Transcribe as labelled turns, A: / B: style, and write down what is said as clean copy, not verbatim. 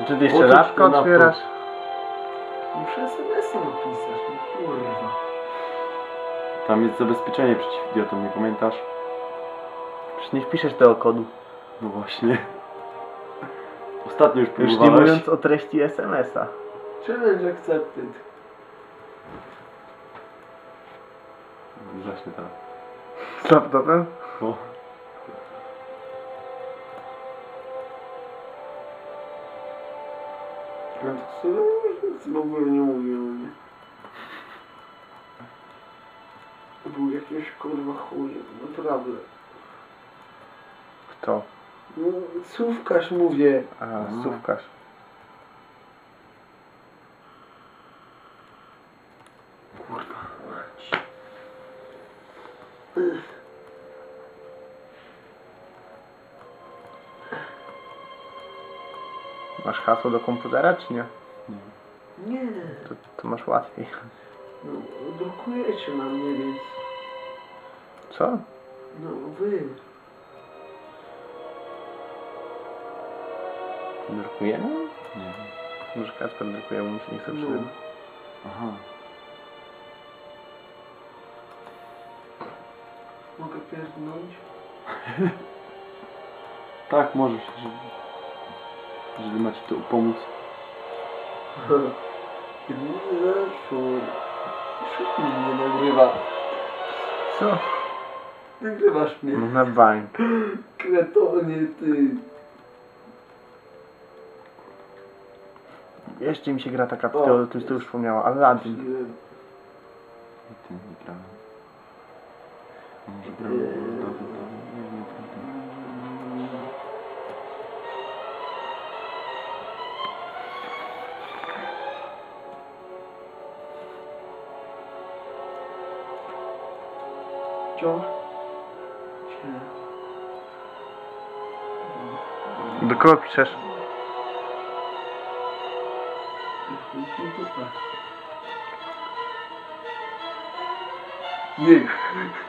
A: Czy ty jeszcze lapka otwierasz?
B: Muszę SMS-a napisać, no kurwa.
C: Tam jest zabezpieczenie przeciw idiotom, nie pamiętasz?
A: Przecież nie wpiszesz tego kodu.
C: No właśnie. Ostatnio już
A: Już nie
C: próbowałeś.
A: mówiąc o treści SMS-a.
B: Challenge accepted.
C: Zacznie teraz.
A: Z laptopem?
C: O.
B: Ja to sobie nic w ogóle nie mówiłem, nie? To był jakiś kurwa chuj, naprawdę.
A: Kto?
B: No, słówkarz mówię.
A: A,
C: No.
A: słówkarz.
C: Kurwa.
A: Masz hasło do komputera, czy nie?
B: Nie.
A: To masz łatwiej.
B: No, drukujecie na mnie, więc...
A: Co?
B: No, wy.
A: Drukujemy?
C: Nie wiem.
A: Może Kacper drukuje, bo mu się nie chce
B: No.
A: przyjść.
C: Aha.
B: Mogę pierdnąć?
C: Tak, możesz, jeżeli macie tu pomóc.
B: Nie zaszło. Szybko mnie nagrywa.
A: Co?
B: Nagrywasz mnie.
A: No na bank.
B: Kretonie, ty.
A: Jeszcze mi się gra taka,
B: O.
A: to już wspomniała, Aladdin.
C: Ty nie grałem. A może grałem? Nie wiem, nie pamiętam.
B: Wciąż?
A: Do kogo piszesz?
B: Nie.